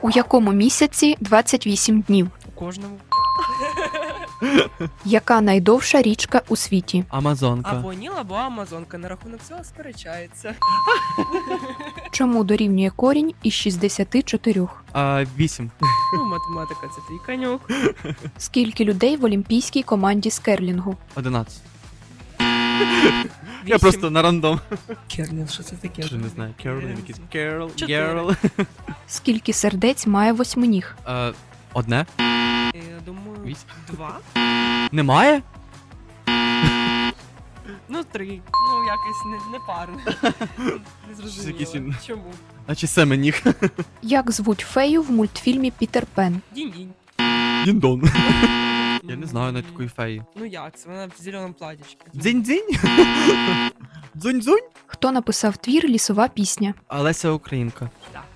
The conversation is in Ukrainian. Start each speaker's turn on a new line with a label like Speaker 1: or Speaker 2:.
Speaker 1: У якому місяці 28 днів?
Speaker 2: У кожному.
Speaker 1: Яка найдовша річка у світі?
Speaker 3: Амазонка.
Speaker 2: Або Ніл, або Амазонка. На рахунок цього сперечається.
Speaker 1: Чому дорівнює корінь із 64?
Speaker 3: 8.
Speaker 2: Ну, математика це твій конюк.
Speaker 1: Скільки людей в олімпійській команді з керлінгу?
Speaker 3: 11. Я
Speaker 2: Вісім.
Speaker 3: просто на рандом.
Speaker 2: Керлін, що це таке?
Speaker 3: Що не знаю. Керол, якийсь Керол,
Speaker 2: Чотири.
Speaker 3: Герл.
Speaker 1: Скільки сердець має восьминіг?
Speaker 3: Одне?
Speaker 2: Я думаю,
Speaker 3: Вісім.
Speaker 2: 2?
Speaker 3: Немає?
Speaker 2: Ну, 3. Ну, якось не парне. Не
Speaker 3: якийсь
Speaker 2: зрозуміло.
Speaker 3: він-
Speaker 2: Чому?
Speaker 3: Наче семеніг.
Speaker 1: Як звуть фею в мультфільмі Пітер Пен?
Speaker 2: Дінь-дінь.
Speaker 3: Діндон. Я не знаю навіть такої феї.
Speaker 2: Ну як це? Вона в зеленому платічці.
Speaker 3: Дзинь-дзинь? Дзунь-дзунь?
Speaker 1: Хто написав твір «Лісова пісня»?
Speaker 3: Олеся Українка.
Speaker 2: Так.